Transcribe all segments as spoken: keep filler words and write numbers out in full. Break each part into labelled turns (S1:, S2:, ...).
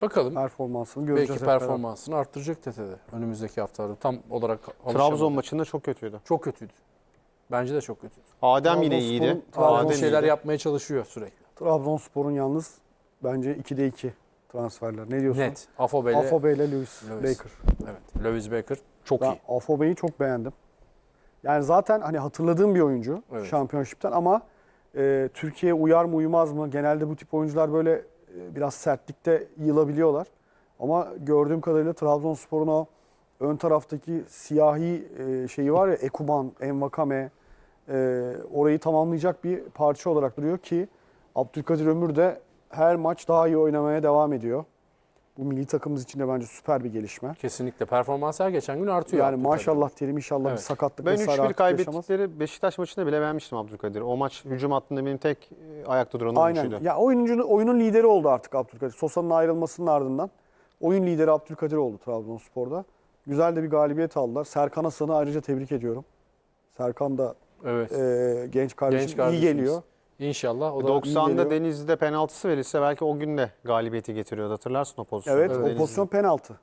S1: Bakalım.
S2: Performansını göreceğiz.
S1: Belki
S2: hep beraber.
S1: performansını arttıracak T T'de önümüzdeki haftalarda. Tam olarak
S3: Trabzon
S1: alışamadı.
S3: maçında çok kötüydü.
S1: Çok kötüydü. Bence de çok kötüydü.
S3: Adem yine
S2: Trabzonspor'un-
S3: iyiydi.
S2: Trabzon
S1: Adem
S3: Adem
S1: şeyler
S3: iyiydi.
S1: yapmaya çalışıyor sürekli.
S2: Trabzonspor'un yalnız bence ikide iki transferler. Ne diyorsun?
S1: Net. Afobe ile
S2: Afobe ile Lewis,
S1: Lewis.
S2: Baker.
S1: Evet. Lewis Baker çok
S2: Ben
S1: iyi.
S2: Afobe'yi çok beğendim. Yani zaten hani hatırladığım bir oyuncu
S1: Evet.
S2: şampiyonşipten ama e, Türkiye'ye uyar mı uyumaz mı? Genelde bu tip oyuncular böyle e, biraz sertlikte yılabiliyorlar. Ama gördüğüm kadarıyla Trabzonspor'un o ön taraftaki siyahi e, şeyi var ya, Ekuban, Envakame, e, orayı tamamlayacak bir parça olarak duruyor ki Abdülkadir Ömür de her maç daha iyi oynamaya devam ediyor. Bu milli takımımız için de bence süper bir gelişme.
S1: Kesinlikle. Performans her geçen gün artıyor.
S2: Yani
S1: Abdülkadir.
S2: maşallah diyelim, inşallah
S1: Evet.
S2: bir sakatlık
S3: Ben
S2: vesaire
S3: üç bir
S2: artık yaşamaz.
S3: kaybettikleri Beşiktaş maçında bile beğenmiştim Abdülkadir. O maç hücum hattında benim tek e, ayakta duran
S2: Aynen.
S3: oyuncuydu.
S2: Ya oyuncunun oyunun lideri oldu artık Abdülkadir. Sosa'nın ayrılmasının ardından oyun lideri Abdülkadir oldu Trabzonspor'da. Güzel de bir galibiyet aldılar. Serkan Hasan'ı ayrıca tebrik ediyorum. Serkan da
S1: Evet.
S2: e, genç kardeşim,
S1: Genç
S2: iyi
S1: kardeşimiz.
S2: geliyor.
S1: İnşallah o da
S3: doksan'da
S2: geliyor.
S3: Denizli'de penaltısı verilse belki o gün de galibiyeti getiriyordu. Hatırlarsın o pozisyonu.
S2: Evet,
S1: Evet.
S2: o pozisyon penaltı.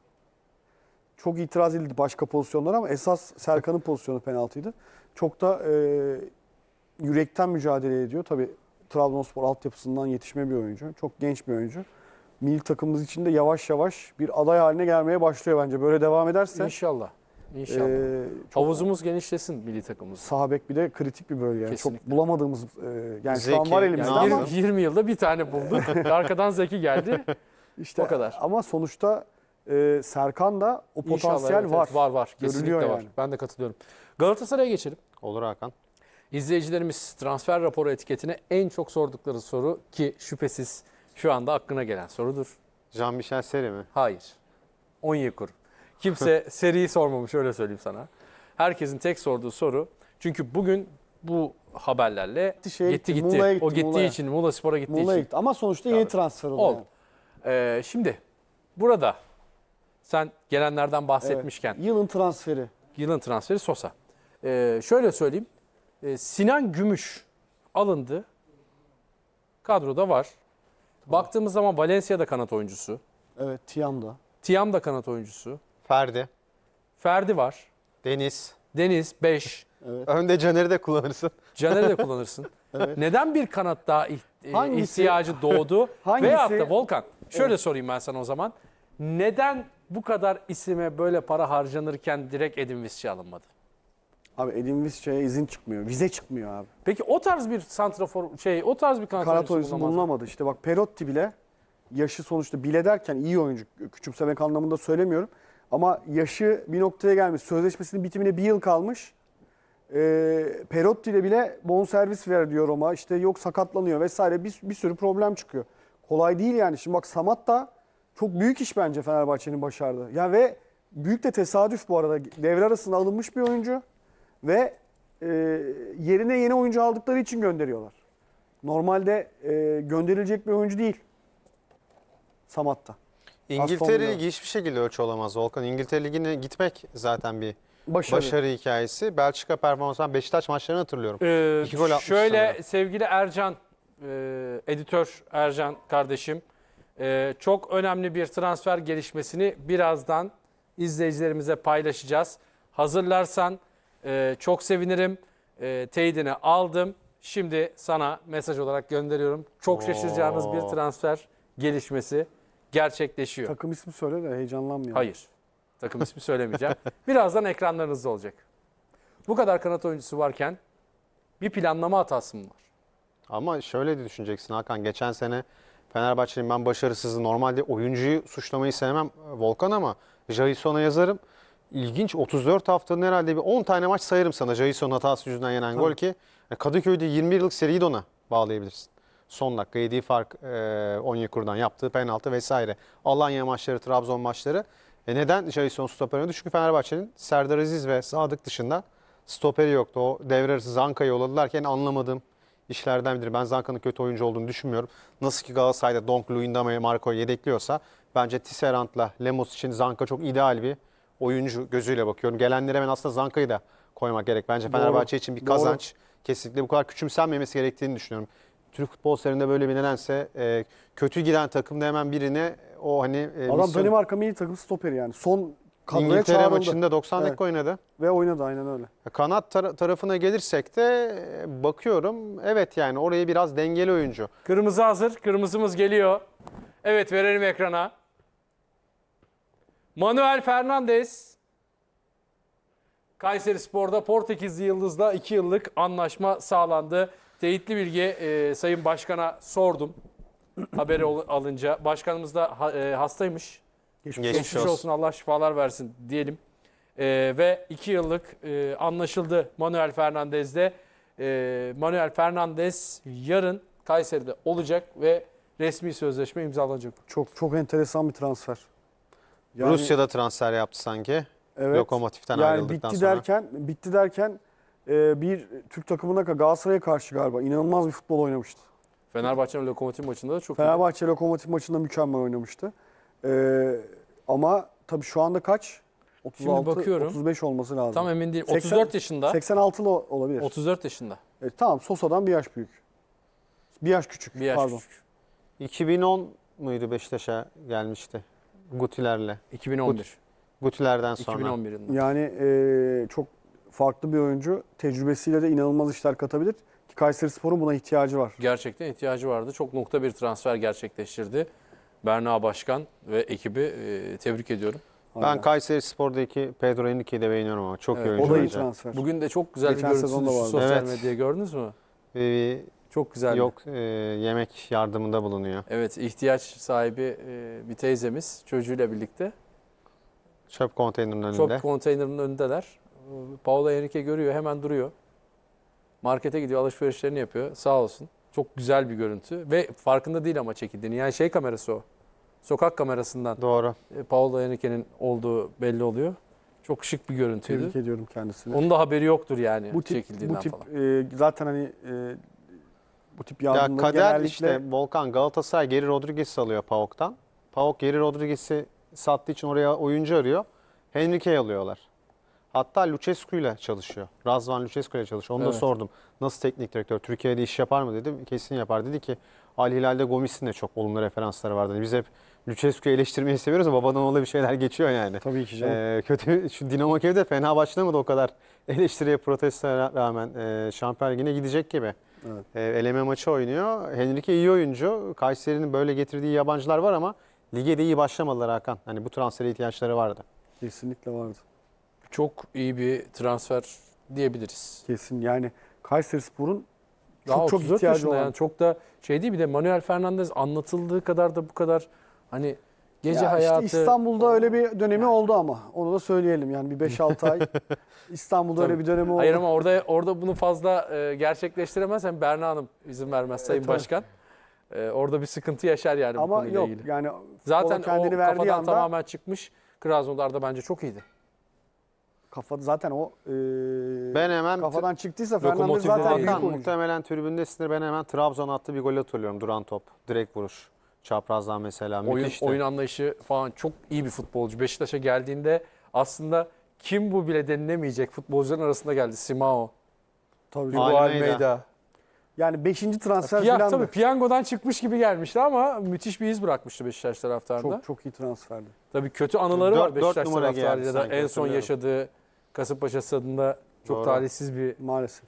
S2: Çok itiraz edildi başka pozisyonlara ama esas Serkan'ın pozisyonu penaltıydı. Çok da e, yürekten mücadele ediyor. Tabii Trabzonspor altyapısından yetişme bir oyuncu. Çok genç bir oyuncu. Milli takımımız için de yavaş yavaş bir aday haline gelmeye başlıyor bence. Böyle devam ederse
S1: İnşallah. İnşallah.
S2: e, çok
S1: Havuzumuz genişlesin milli takımımız.
S2: sağ bek bir de kritik bir bölge. Yani çok
S1: Kesinlikle.
S2: bulamadığımız e, yani şu an
S3: Zeki,
S2: var elimizde
S3: Nazım.
S2: ama
S1: yirmi, yirmi yılda bir tane bulduk. Arkadan Zeki geldi.
S2: işte
S1: o kadar.
S2: ama sonuçta e, Serkan da o
S1: İnşallah,
S2: potansiyel
S1: evet,
S2: var.
S1: evet, var var.
S2: Görülüyor
S1: Kesinlikle var.
S2: yani.
S1: Ben de katılıyorum. Galatasaray'a geçelim.
S3: Olur Hakan.
S1: İzleyicilerimiz transfer raporu etiketine en çok sordukları soru ki şüphesiz şu anda aklına gelen sorudur.
S3: Jean-Michel Seri mi?
S1: Hayır. Onyekuru. Kimse seriyi sormamış, öyle söyleyeyim sana. Herkesin tek sorduğu soru. Çünkü bugün bu haberlerle
S2: Şeye
S1: gitti
S2: gitti,
S1: gitti.
S2: Muğla'ya gitti,
S1: o gittiği
S2: Muğla'ya.
S1: için, Muğla Spor'a gittiği
S2: Muğla'ya
S1: için.
S2: gitti. Ama sonuçta yeni
S1: Tabii.
S2: transfer oldu.
S1: Oldu.
S2: yani.
S1: Ee, şimdi burada sen gelenlerden bahsetmişken
S2: Evet. Yılın transferi.
S1: yılın transferi Sosa. Ee, şöyle söyleyeyim. Ee, Sinan Gümüş alındı. Kadroda var. Baktığımız zaman Valencia'da kanat oyuncusu.
S2: Evet, Tiam'da.
S1: Tiam da kanat oyuncusu.
S3: Ferdi.
S1: Ferdi var.
S3: Deniz.
S1: Deniz beş.
S2: Evet.
S3: Önde Caner'i de kullanırsın.
S1: Caner'i de kullanırsın.
S2: Evet.
S1: Neden bir kanat daha iht- e,
S2: Hangisi-
S1: ihtiyacı doğdu?
S2: Hangisi-
S1: Veyahut da Volkan, şöyle sorayım ben sana o zaman. Neden bu kadar isime böyle para harcanırken direkt Edin Visca alınmadı?
S2: Abi Edin Visca'ya izin çıkmıyor. Vize çıkmıyor abi.
S1: Peki o tarz bir santrafor şey, o tarz bir kanat,
S2: Kanat
S1: oyuncusu
S2: oyuncusu
S1: bulunamaz mı?
S2: bulunamadı. İşte bak Perotti bile yaşı sonuçta bile derken iyi oyuncu. Küçümsemek anlamında söylemiyorum. Ama yaşı bir noktaya gelmiş. Sözleşmesinin bitimine bir yıl kalmış. Ee, Perotti ile bile bonservis ver diyor Roma. İşte yok sakatlanıyor vesaire. Bir, bir sürü problem çıkıyor. Kolay değil yani. Şimdi bak Samat da çok büyük iş bence Fenerbahçe'nin başardığı. Ya ve büyük de tesadüf bu arada. Devre arasında alınmış bir oyuncu. Ve e, yerine yeni oyuncu aldıkları için gönderiyorlar. Normalde e, gönderilecek bir oyuncu değil. Samat'ta.
S3: İngiltere
S2: Villa.
S3: Ligi hiçbir şekilde ölçü olamaz Volkan. İngiltere Ligi'ne gitmek zaten bir
S2: Başarı.
S3: başarı hikayesi. Belçika performansı. Ben Beşiktaş maçlarını hatırlıyorum.
S1: Ee,
S3: İki gol atmış
S1: şöyle
S3: sanırım.
S1: sevgili Ercan, e, editör Ercan kardeşim, e, çok önemli bir transfer gelişmesini birazdan izleyicilerimize paylaşacağız. Hazırlarsan e, çok sevinirim. E, teyidini aldım. Şimdi sana mesaj olarak gönderiyorum. Çok şaşıracağınız bir
S3: Oo.
S1: transfer gelişmesi gerçekleşiyor.
S2: Takım ismi söyle de heyecanlanmayalım.
S1: Hayır. Takım ismi söylemeyeceğim. Birazdan ekranlarınızda olacak. Bu kadar kanat oyuncusu varken bir planlama hatası mı var?
S3: Ama şöyle de düşüneceksin Hakan. Geçen sene Fenerbahçe'nin ben başarısızı normalde oyuncuyu suçlamayı sevmem Volkan ama Jason'a yazarım. İlginç otuz dört haftanın herhalde bir on tane maç sayarım sana Jason'un hatası yüzünden yenen
S2: Tabii.
S3: gol ki Kadıköy'de yirmi bir yıllık seriyi de ona bağlayabilirsin. Son dakika yediği fark e, Onyekuru'dan yaptığı penaltı vesaire. Alanya maçları, Trabzon maçları. E neden Jason stoper oynadı? Çünkü Fenerbahçe'nin Serdar Aziz ve Sadık dışında stoperi yoktu. O devre arası Zanka'yı yolladılarken anlamadığım işlerden biridir. Ben Zanka'nın kötü oyuncu olduğunu düşünmüyorum. Nasıl ki Galatasaray'da Donk, Luyendama'yı, Marco'yu yedekliyorsa bence Tisserand'la Lemos için Zanka çok ideal bir oyuncu gözüyle bakıyorum. Gelenlere ben aslında Zanka'yı da koymak gerek. Bence
S2: Doğru.
S3: Fenerbahçe için bir
S2: Doğru.
S3: kazanç. Kesinlikle bu kadar küçümsenmemesi gerektiğini düşünüyorum. Türk futbol serinde böyle bir nedense e, kötü giden takımda hemen birine o hani e,
S2: Adam
S3: misyon-
S2: Danimarka milli takım stoperi yani. Son kadroya
S3: İngiltere
S2: çağrıldı.
S3: maçında doksan
S2: Evet.
S3: dakika oynadı.
S2: Ve oynadı aynen öyle.
S3: Kanat tar- tarafına gelirsek de e, bakıyorum. Evet yani orayı biraz dengeli oyuncu.
S1: Kırmızı hazır. Kırmızımız geliyor. Evet, verelim ekrana. Manuel Fernandes. Kayserispor'da Portekizli Yıldız'la iki yıllık anlaşma sağlandı. Teyitli bilgi e, Sayın Başkan'a sordum. Haberi ol- alınca. Başkanımız da ha- e, hastaymış.
S2: Geçmiş
S3: Geçmiş
S1: Geçmiş olsun.
S3: olsun.
S1: Allah şifalar versin diyelim. E, ve iki yıllık e, anlaşıldı Manuel Fernandez'de. E, Manuel Fernandes yarın Kayseri'de olacak ve resmi sözleşme imzalanacak.
S2: Çok çok enteresan bir transfer. Yani-
S3: Rusya'da transfer yaptı sanki.
S2: Evet.
S3: Lokomotif'ten
S2: yani
S3: ayrıldıktan
S2: bitti
S3: sonra.
S2: derken bitti derken e, bir Türk takımına Galatasaray'a karşı galiba inanılmaz bir futbol oynamıştı.
S1: Fenerbahçe'nin Lokomotiv maçında da çok iyi.
S2: Fenerbahçe Lokomotiv maçında mükemmel oynamıştı. E, ama tabii şu anda kaç? otuz altı
S1: bakıyorum.
S2: otuz beş olması lazım.
S1: Tam emin değilim.
S2: seksen
S1: otuz dört yaşında.
S2: seksen altılı olabilir.
S1: otuz dört yaşında.
S2: Evet, tamam Sosa'dan bir yaş büyük. Bir yaş küçük.
S1: Bir yaş
S2: pardon.
S1: küçük.
S3: iki bin on muydu Beşiktaş'a gelmişti? Gutiler'le.
S1: iki bin on bir.
S3: Gutiler'den sonra.
S1: iki bin on bir yılında.
S2: Yani e, çok farklı bir oyuncu. Tecrübesiyle de inanılmaz işler katabilir. Ki Kayserispor'un buna ihtiyacı var.
S1: Gerçekten ihtiyacı vardı. Çok nokta bir transfer gerçekleştirdi. Berna Başkan ve ekibi e, tebrik ediyorum.
S3: Ben
S2: Aynen.
S3: Kayserispor'daki Pedro Henrique'yi de beğeniyorum ama çok
S1: Evet,
S3: iyi
S2: O
S3: oyuncu
S2: da iyi
S3: bence.
S2: transfer.
S1: Bugün de çok güzel
S2: Geçen
S1: bir görüntüsü
S2: sezonda
S1: düştü
S2: vardı.
S1: sosyal
S3: Evet.
S1: medyaya, gördünüz mü?
S3: Ee,
S1: Çok güzel.
S3: yok e, yemek yardımında bulunuyor.
S1: Evet, ihtiyaç sahibi e, bir teyzemiz çocuğuyla birlikte.
S3: Çöp konteynerinin önünde.
S1: Çöp konteynerinin önündeler. Paolo Henrique görüyor, hemen duruyor. Markete gidiyor, alışverişlerini yapıyor. Sağ olsun. Çok güzel bir görüntü ve farkında değil ama çekildiğini. Yani şey kamerası o. Sokak kamerasından
S3: Doğru.
S1: e, Paolo Henrique'nin olduğu belli oluyor. Çok şık bir görüntüydü.
S2: Tebrik ediyorum kendisini.
S1: Onun da haberi yoktur yani
S2: bu tip
S1: çekildiğinden
S2: bu tip
S1: falan.
S2: e, zaten hani e, bu tip
S3: Ya
S2: yardımları
S3: kader
S2: genellikle
S3: işte Volkan Galatasaray Geri Rodriguez'i alıyor PAOK'tan. PAOK Geri Rodriguez'i sattığı için oraya oyuncu arıyor. Henrique'yi alıyorlar. Hatta Lucescu ile çalışıyor. Razvan Lucescu ile çalışıyor. Onu da
S1: Evet.
S3: sordum. Nasıl teknik direktör? Türkiye'de iş yapar mı dedim. Kesin yapar. Dedi ki Al Hilal'de Gomis'in de çok olumlu referansları vardı. Hani biz hep Lucescu'yu eleştirmeyi seviyoruz ama babadan oğula bir şeyler geçiyor yani.
S2: tabii ki canım.
S3: Ee, kötü şu Dinamo Kiev'de fena başlamadı o kadar eleştiriye protestoya rağmen e, Şampiyon Ligi'ne gidecek gibi.
S2: Evet.
S3: E, eleme maçı oynuyor. Henrique iyi oyuncu. Kayseri'nin böyle getirdiği yabancılar var ama lige de iyi başlamadılar Hakan. Hani bu transfere ihtiyaçları vardı.
S2: Kesinlikle vardı.
S1: Çok iyi bir transfer diyebiliriz.
S2: Kesin yani Kayserispor'un
S1: Daha
S2: çok çok
S1: otuz dört
S2: ihtiyacı
S1: yaşında
S2: olan.
S1: yani çok da şey değil, bir de Manuel Fernandes anlatıldığı kadar da bu kadar hani gece
S2: Ya
S1: hayatı.
S2: işte İstanbul'da öyle bir dönemi oldu ama onu da söyleyelim yani bir beş altı ay İstanbul'da öyle
S1: Tabii.
S2: bir dönemi oldu.
S1: Hayır ama orada orada bunu fazla e, gerçekleştiremezsen Berna Hanım izin vermez Sayın
S2: tabii.
S1: Başkan. E, orada bir sıkıntı yaşar yani bu
S2: Ama
S1: konuyla
S2: yok
S1: ilgili.
S2: yani
S1: Zaten
S2: o kendini
S1: o
S2: verdiği
S1: kafadan
S2: anda
S1: tamamen çıkmış. Krasnodar'da bence çok iyiydi.
S2: kafa zaten o e,
S3: Ben hemen
S2: kafadan çıktıysa Fernandes
S1: Lokomotiv'de
S2: zaten
S1: değil.
S2: büyük
S3: Hakan
S2: oyuncu.
S3: muhtemelen tribündesindir. Ben hemen Trabzon attığı bir gol hatırlıyorum. Duran top. Direkt vuruş. Çaprazdan mesela.
S1: Oyun,
S3: Müthişti.
S1: oyun anlayışı falan çok iyi bir futbolcu. Beşiktaş'a geldiğinde aslında kim bu bile denilemeyecek futbolcuların arasında geldi. Simao,
S2: Tabii
S1: Hugo
S2: canım.
S3: Almeida.
S1: Almeida.
S2: Yani beşinci transfer
S1: Piyan,
S2: falan
S1: tabii
S2: da
S1: piyangodan çıkmış gibi gelmişti ama müthiş bir iz bırakmıştı Beşiktaş taraftarında.
S2: çok çok iyi transferdi.
S1: Tabii kötü anıları
S3: Dört-
S1: var
S3: dört
S1: Beşiktaş
S3: numara
S1: taraftarıyla
S3: geldi
S1: da
S3: sanki,
S1: en son
S3: hatırlıyorum.
S1: yaşadığı Kasımpaşa stadında çok
S3: Doğru.
S1: talihsiz bir
S2: Maalesef.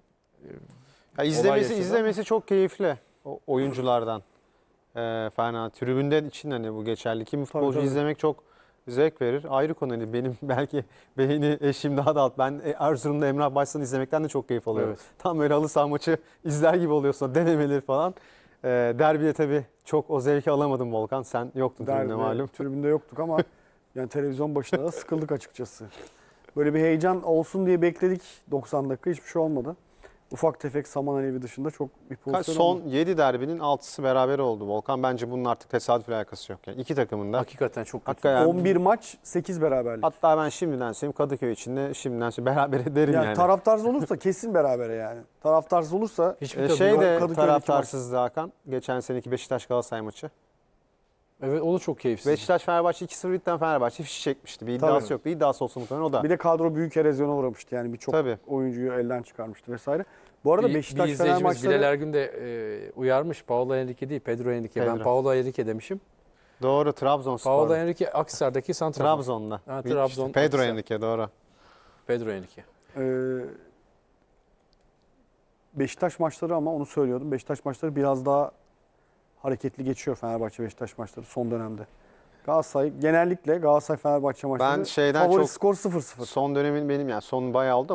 S3: Ya izlemesi
S1: yaşadı
S3: izlemesi çok keyifli o oyunculardan. Ee, Fena tribünden için hani bu geçerli. Kim futbolcu
S2: tabii.
S3: izlemek çok zevk verir. Ayrı konu. Hani benim belki beyni eşim daha da alt. Ben Erzurum'da Emrah Başsan'ı izlemekten de çok keyif alıyorum.
S1: Evet.
S3: Tam böyle halı saha maçı izler gibi oluyorsun. Denemeleri falan. Ee, derbide tabii çok o zevki alamadım Volkan. Sen yoktun tribünde
S2: Derbi,
S3: malum.
S2: tribünde yoktuk ama yani televizyon başında da sıkıldık açıkçası. Böyle bir heyecan olsun diye bekledik doksan dakika hiçbir şey olmadı. Ufak tefek saman alevi dışında çok bir
S3: Kaç-
S2: pozisyon
S3: Son
S2: olmadı.
S3: yedi derbinin altısı beraber oldu Volkan. Bence bunun artık tesadüfle alakası yok. Yani iki takımın da.
S1: hakikaten çok kötü.
S3: Hakikaten
S2: on bir maç sekiz beraberlik.
S3: Hatta ben şimdiden söyleyeyim Kadıköy için de şimdiden söyleyeyim beraber derim
S2: yani,
S3: yani.
S2: taraftarsız olursa kesin berabere yani. Taraftarsız olursa
S1: Hiçbir
S3: Ee,
S1: takım
S3: şey
S1: yok.
S3: de
S2: Kadıköy'deki
S3: taraftarsızdı Hakan. Geçen seneki Beşiktaş Galatasaray maçı.
S1: Evet, o da çok keyifsiz.
S3: Beşiktaş Fenerbahçe iki sıfır bitten Fenerbahçe fişi çekmişti. Bir iddiası
S2: Tabii.
S3: yoktu. İddiası olsa muhtemelen o da.
S2: bir de kadro büyük erozyona uğramıştı yani birçok
S3: Tabii.
S2: oyuncuyu elden çıkarmıştı vesaire. Bu arada
S1: bir,
S2: Beşiktaş
S1: bir
S2: Fener
S1: izleyicimiz Bilal
S2: maçları
S1: Ergün de e, uyarmış. Paolo Henrique değil, Pedro Henrique. Ben
S3: Pedro.
S1: Paolo Henrique demişim.
S3: Doğru, Trabzonspor.
S1: Paolo Henrique Akhisar'daki santrafor.
S3: Trabzon'da.
S1: Ha,
S3: İşte
S1: Trabzon,
S3: Pedro
S1: Akhisar.
S3: Henrique doğru.
S1: Pedro Henrique.
S2: Ee, Beşiktaş maçları ama onu söylüyordum. Beşiktaş maçları biraz daha hareketli geçiyor Fenerbahçe Beşiktaş maçları son dönemde. Galatasaray genellikle Galatasaray Fenerbahçe maçları
S3: Ben şeyden
S2: favori
S3: çok
S2: skor sıfır sıfır.
S3: son dönemin benim yani son bayağı oldu.